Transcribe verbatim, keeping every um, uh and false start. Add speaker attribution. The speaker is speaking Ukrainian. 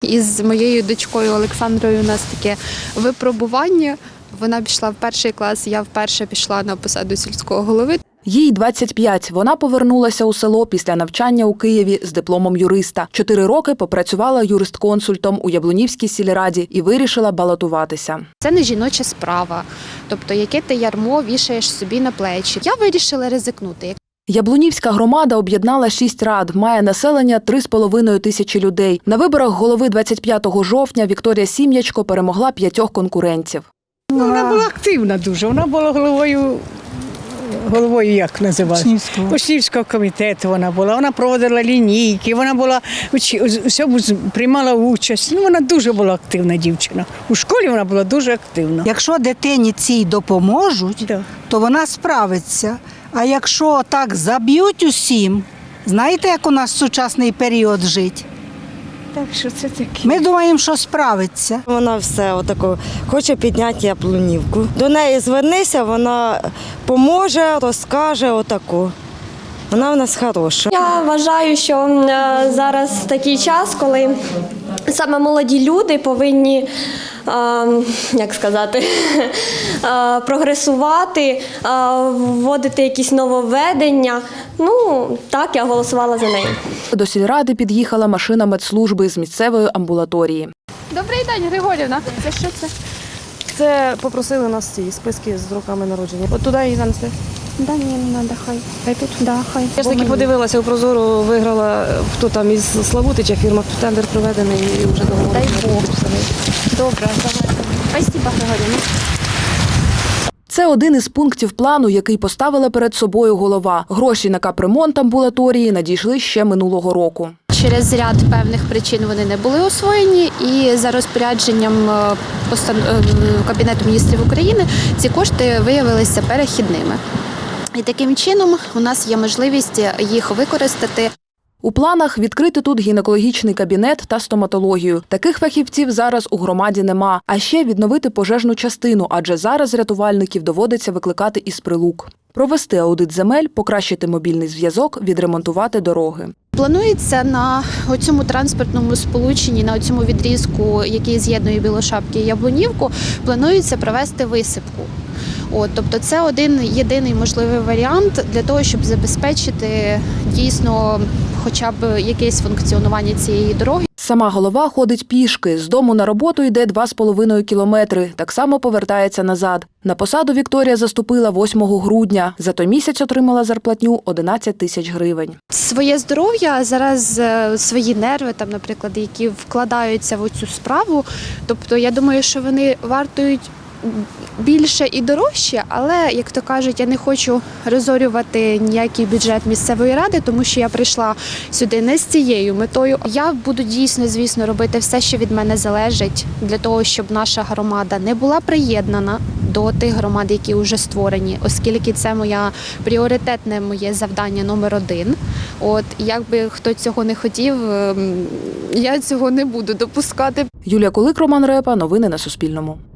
Speaker 1: Із моєю дочкою Олександрою у нас таке випробування. Вона пішла в перший клас, я вперше пішла на посаду сільського голови.
Speaker 2: Їй двадцять п'ять. Вона повернулася у село після навчання у Києві з дипломом юриста. Чотири роки попрацювала юрист-консультом у Яблунівській сільраді і вирішила балотуватися.
Speaker 1: Це не жіноча справа, тобто яке ти ярмо вішаєш собі на плечі. Я вирішила ризикнути.
Speaker 2: Яблунівська громада об'єднала шість рад, має населення три з половиною тисячі людей. На виборах голови двадцять п'ятого жовтня Вікторія Сім'ячко перемогла п'ятьох конкурентів.
Speaker 3: Вона була активна дуже, вона була головою, головою як називається? Учнівського комітету вона була, вона проводила лінійки, вона була, всьому приймала участь. Ну, вона дуже була активна дівчина. У школі вона була дуже активна.
Speaker 4: Якщо дитині цій допоможуть,
Speaker 3: Да.
Speaker 4: то вона справиться. А якщо так заб'ють усім, знаєте, як у нас в сучасний період жить?
Speaker 3: Так що це таке.
Speaker 4: Ми думаємо, що справиться.
Speaker 5: Вона все отако хоче підняти Яблунівку. До неї звернися, вона поможе, розкаже отаку. Вона в нас хороша.
Speaker 6: Я вважаю, що е, зараз такий час, коли саме молоді люди повинні, е, як сказати, е, прогресувати, е, вводити якісь нововведення. Ну, так, я голосувала за неї.
Speaker 2: До сільради під'їхала машина медслужби з місцевої амбулаторії.
Speaker 1: Добрий день, Григорівна. Це що це?
Speaker 7: Це попросили нас ці списки з роками народження. От туди її занесли.
Speaker 1: Да ні, не треба, хай. Хай тут? Да, хай.
Speaker 7: Я ж таки подивилася, у Прозоро виграла, хто там із Славутича фірма, тендер проведений і вже договор.
Speaker 1: Дай Бог. Добре, давайте. Спасибо, Григорівна.
Speaker 2: Це один із пунктів плану, який поставила перед собою голова. Гроші на капремонт амбулаторії надійшли ще минулого року.
Speaker 1: Через ряд певних причин вони не були освоєні, і за розпорядженням Кабінету міністрів України ці кошти виявилися перехідними. І таким чином у нас є можливість їх використати.
Speaker 2: У планах відкрити тут гінекологічний кабінет та стоматологію. Таких фахівців зараз у громаді нема. А ще відновити пожежну частину, адже зараз рятувальників доводиться викликати із Прилук. Провести аудит земель, покращити мобільний зв'язок, відремонтувати дороги.
Speaker 1: Планується на цьому транспортному сполученні, на цьому відрізку, який з'єднує Білошапки і Яблунівку, планується провести висипку. От, тобто це один єдиний можливий варіант для того, щоб забезпечити дійсно хоча б якесь функціонування цієї дороги.
Speaker 2: Сама голова ходить пішки. З дому на роботу йде два з половиною кілометри. Так само повертається назад. На посаду Вікторія заступила восьмого грудня. За той місяць отримала зарплатню одинадцять тисяч гривень.
Speaker 1: Своє здоров'я, зараз свої нерви, там, наприклад, які вкладаються в цю справу. Тобто я думаю, що вони вартують більше і дорожче, але, як то кажуть, я не хочу розорювати ніякий бюджет місцевої ради, тому що я прийшла сюди не з цією метою. Я буду дійсно, звісно, робити все, що від мене залежить, для того, щоб наша громада не була приєднана до тих громад, які вже створені, оскільки це моя пріоритетне моє завдання номер один. От, якби хто цього не хотів, я цього не буду допускати.
Speaker 2: Юлія Кулик, Роман Репа. Новини на Суспільному.